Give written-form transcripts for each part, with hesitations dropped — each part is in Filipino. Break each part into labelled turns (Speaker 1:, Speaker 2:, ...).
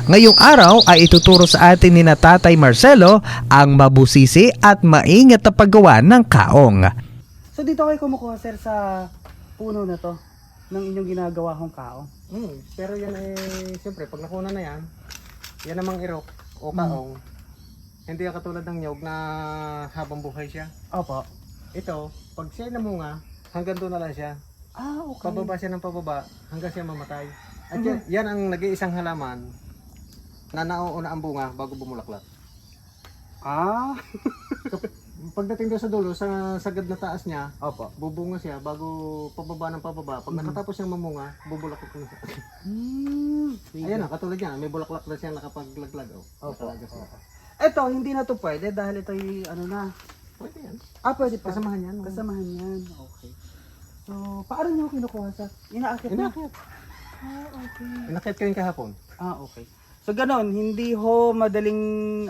Speaker 1: Ngayong araw ay ituturo sa atin ni na Tatay Marcelo ang mabusisi at maingat na paggawa ng kaong.
Speaker 2: So dito kayo kumukuha sir sa puno na to ng inyong ginagawa kong kaong.
Speaker 3: Pero yan ay, siyempre, pag nakuna na yan namang irok o kaong. Hindi yan katulad ng nyog na habang buhay siya.
Speaker 2: Opo.
Speaker 3: Ito, pag siya namunga, hanggang doon na lang siya.
Speaker 2: Ah, okay.
Speaker 3: Pababa siya ng pababa hanggang siya mamatay. At yan ang nag-iisang halaman na nauuna ang bunga bago bumulaklak.
Speaker 2: Ah.
Speaker 3: Pagdating doon sa dulo, sa sagad na taas niya,
Speaker 2: Opo.
Speaker 3: bubunga siya bago pababa ng pababa. Pag nakatapos siyang mamunga, bubulaklak na siya. Ayan na, katulad yan. May bulaklak na siya nakapaglaglag.
Speaker 2: Opo.
Speaker 3: Nakalagas na.
Speaker 2: Ito, hindi na to pwede dahil ito yung ano na.
Speaker 3: Pwede yan.
Speaker 2: Ah, pwede pa.
Speaker 3: Kasamahan yan.
Speaker 2: Kasamahan yan. Okay. So, paano nyo kinukuha sa? Inaakit na?
Speaker 3: Inakyat.
Speaker 2: Ah, okay.
Speaker 3: Inakyat ko yung kahapon.
Speaker 2: Ah, okay. So, ganon. Hindi ho madaling,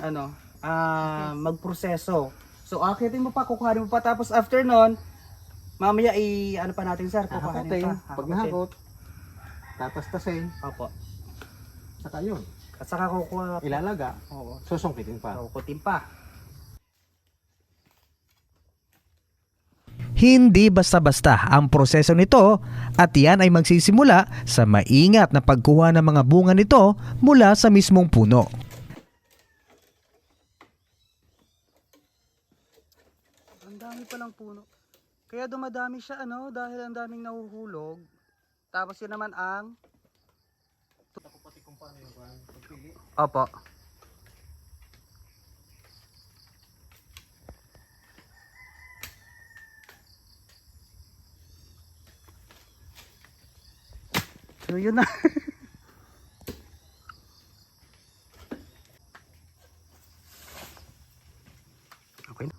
Speaker 2: magproseso. So, akitin mo pa, kukuhanin mo pa. Tapos, after nun, mamaya ano pa natin, sir? Kukuhanin
Speaker 3: Hahakotin.
Speaker 2: pa.
Speaker 3: Pag nahakot, tatastasin.
Speaker 2: Opo.
Speaker 3: Saka yun.
Speaker 2: At saka kukuha.
Speaker 3: Ilalaga.
Speaker 2: Oo.
Speaker 3: Susungkitin pa.
Speaker 2: Kukutin pa.
Speaker 1: Hindi basta-basta ang proseso nito at yan ay magsisimula sa maingat na pagkuha ng mga bunga nito mula sa mismong puno.
Speaker 2: Ang dami palang puno. Kaya dumadami siya, dahil ang daming nahuhulog. Tapos yun naman ang... Opo. So yun na. Okay.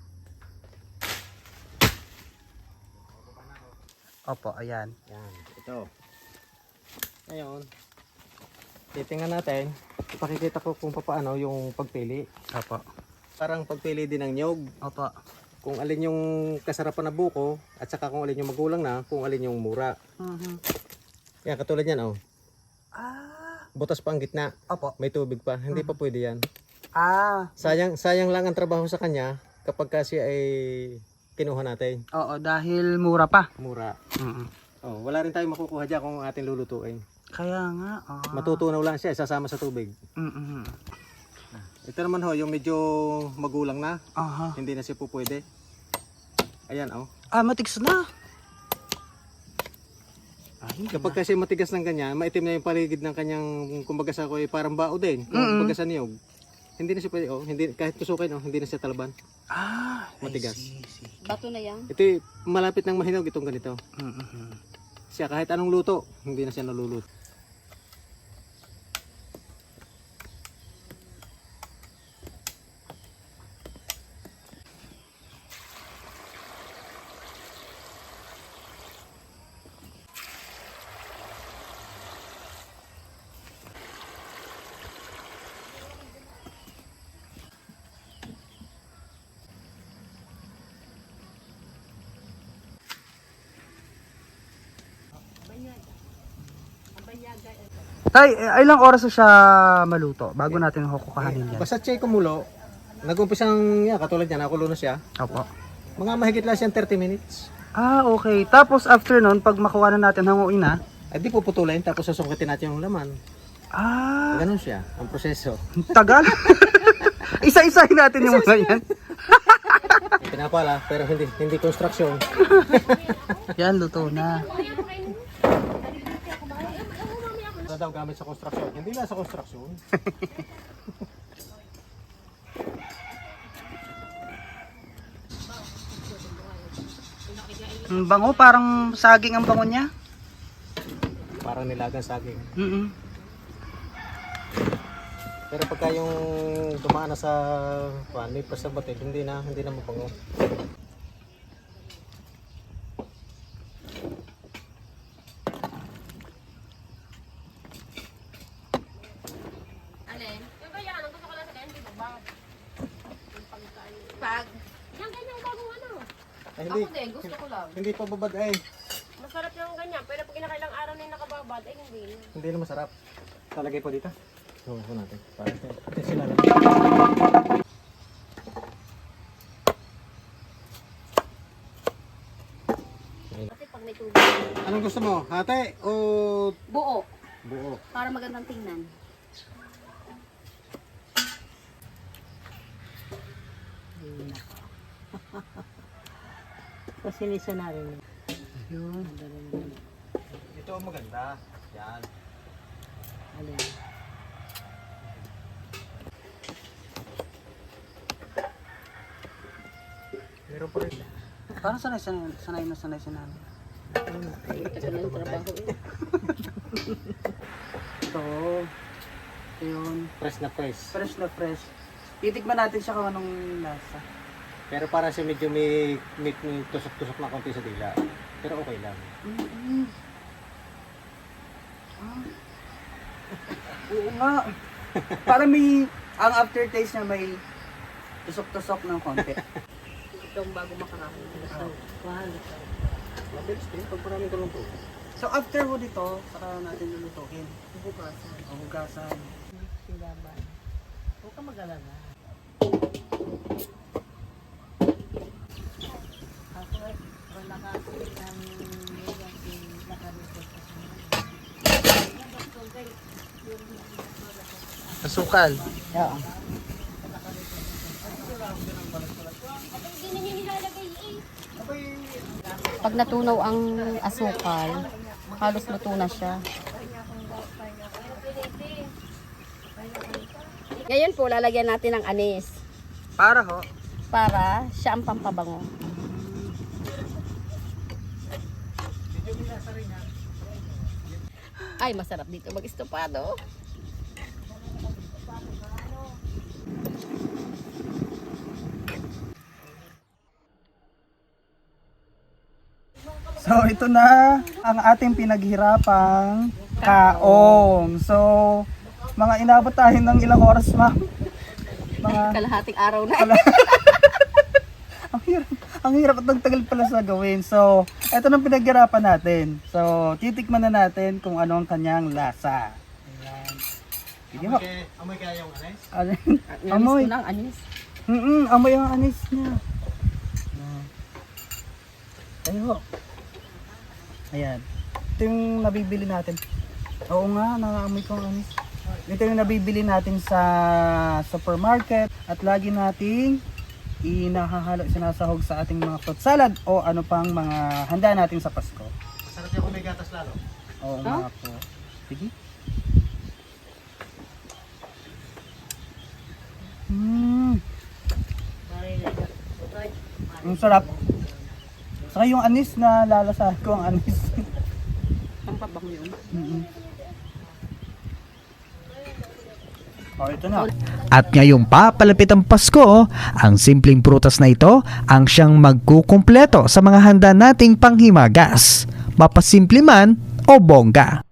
Speaker 2: Opo, ayan.
Speaker 3: Yan. Ito. Ngayon, titingnan natin. Ipakikita ko kung paano yung pagpili.
Speaker 2: Opo.
Speaker 3: Parang pagpili din ng nyog.
Speaker 2: Opo.
Speaker 3: Kung alin yung kasarapan na buko at saka kung alin yung magulang na, kung alin yung mura. Yan, katulad yan, oh.
Speaker 2: Ah.
Speaker 3: Butas pa ang gitna.
Speaker 2: Opo.
Speaker 3: May tubig pa. Hindi pa pwede yan.
Speaker 2: Ah.
Speaker 3: Sayang lang ang trabaho sa kanya kapag kasi ay kinuha natin.
Speaker 2: Oo, dahil mura pa.
Speaker 3: Mura. Oh, wala rin tayong makukuha dyan kung ating lulutuin.
Speaker 2: Kaya nga.
Speaker 3: Matutunaw lang siya, isasama sa tubig. Ito naman ho, yung medyo magulang na.
Speaker 2: Aha.
Speaker 3: Hindi na siya po pwede. Ayan, oh.
Speaker 2: Ah, matigas na. Ay,
Speaker 3: Kapag kasi matigas ng ganyan, maitim na yung paligid ng kanyang, kumbaga sa ko ay parang bao din. Kumbaga sa niyog. Hindi na siya pwede, oh. Hindi, kahit tusukin, oh, hindi na siya talaban.
Speaker 2: Ah,
Speaker 3: Matigas.
Speaker 4: Bato na yan.
Speaker 3: Ito malapit ng mahinog itong ganito. Siya kahit anong luto, hindi na siya naluluto.
Speaker 2: Tay, ilang oras na siya maluto bago natin kukuhanin yan?
Speaker 3: Basta siya kumulo, nag-umpisang, katulad niya, nakulo na siya.
Speaker 2: Opo.
Speaker 3: Mga mahigit lang siyang 30 minutes.
Speaker 2: Ah, okay. Tapos after nun, pag makuha na natin, hanguin na.
Speaker 3: Ay di puputulin, tapos susungkitin natin yung laman.
Speaker 2: Ah,
Speaker 3: Ganun siya, ang proseso.
Speaker 2: tagal. Isa-isahin natin yung mga yan.
Speaker 3: Pinapala, pero hindi construction.
Speaker 2: Yan, luto na.
Speaker 3: Ano daw gamit sa construction? Hindi na sa construction.
Speaker 2: Ang bango, parang saging ang bango niya.
Speaker 3: Parang nilagang saging. Pero pagka yung dumaan na sa may preservative, hindi na mabango.
Speaker 4: Alin? Yung kaya, ang gusto ko lang sa ganyan, di ba? Pag? Yung ganyan bagong ano.
Speaker 3: Ay,
Speaker 4: Ako din, gusto ko lang.
Speaker 3: hindi pa babad ay.
Speaker 4: Masarap yung ganyan, pero pag inakailang araw na yung nakababad, ay hindi.
Speaker 3: Hindi na masarap. Talagay po dito. So, natin. Para sila lang.
Speaker 4: Kasi pag may tubig,
Speaker 3: Anong gusto mo? Hati o
Speaker 4: buo.
Speaker 3: buo?
Speaker 4: Para magandang tingnan.
Speaker 5: Pasinisa na rin.
Speaker 2: Yun.
Speaker 3: Ito ang maganda. Yan.
Speaker 5: Alin?
Speaker 3: Meron pa rin.
Speaker 2: Parang sanay na sanay si nanay.
Speaker 4: Tagal na yung trabaho eh.
Speaker 2: Ito. Yun.
Speaker 3: Fresh na fresh.
Speaker 2: Fresh na fresh. Titikman natin siya kung anong lasa.
Speaker 3: Pero para siya medyo may tusok-tusok na konti sa dila. Pero okay lang.
Speaker 2: Oo nga. Parang ang aftertaste niya may tusok-tusok ng konti.
Speaker 4: Itong bago makakain.
Speaker 3: Mabilis din. Pag maraming tulong po.
Speaker 2: So after ho dito, saka natin lulutuin.
Speaker 4: Bukasan.
Speaker 2: O hugasan.
Speaker 5: Silaban. Huwag ka mag-alala. Ako ay nakasip ng nakarito sa
Speaker 2: Asukal.
Speaker 5: Oo.
Speaker 4: Hindi na niya nilalagay eh. Pag natunaw ang asukal, halos luto na siya. Ngayon po, lalagyan natin ng anis
Speaker 2: Para ho.
Speaker 4: para siya ang pampabango. Ay, masarap dito mag-estopado.
Speaker 2: So ito na ang ating pinaghirapang kaong. So mga inabot tayo ng ilang oras, ma'am? Mga
Speaker 4: Kalahating araw na.
Speaker 2: ang hirap at ang tagal pala sa gawin. So ito na pinaghirapan natin. So titikman na natin kung ano ang kanyang lasa. Ayan. Sige ho.
Speaker 3: Amoy kaya yung anes?
Speaker 2: Amoy.
Speaker 4: Namis ko ng anis.
Speaker 2: Amoy ang anis niya. Ayun ho. Ayan. Ito yung nabibili natin. Oo nga, nangaamoy ko ang anis. Ito yung nabibili natin sa supermarket at lagi nating inahahalo, sinasahog sa ating mga fruit salad o ano pang mga handa natin sa Pasko.
Speaker 3: Masarap yung kung may gatas lalo.
Speaker 2: Oo nga po. Sige. Ang sarap. Saka yung anis na lalasahan ko ang anis.
Speaker 4: Pampabango yun.
Speaker 2: Oh, ito na.
Speaker 1: At ngayong papalapit ang Pasko, ang simpleng prutas na ito ang siyang magkukumpleto sa mga handa nating panghimagas, mapasimple man o bongga.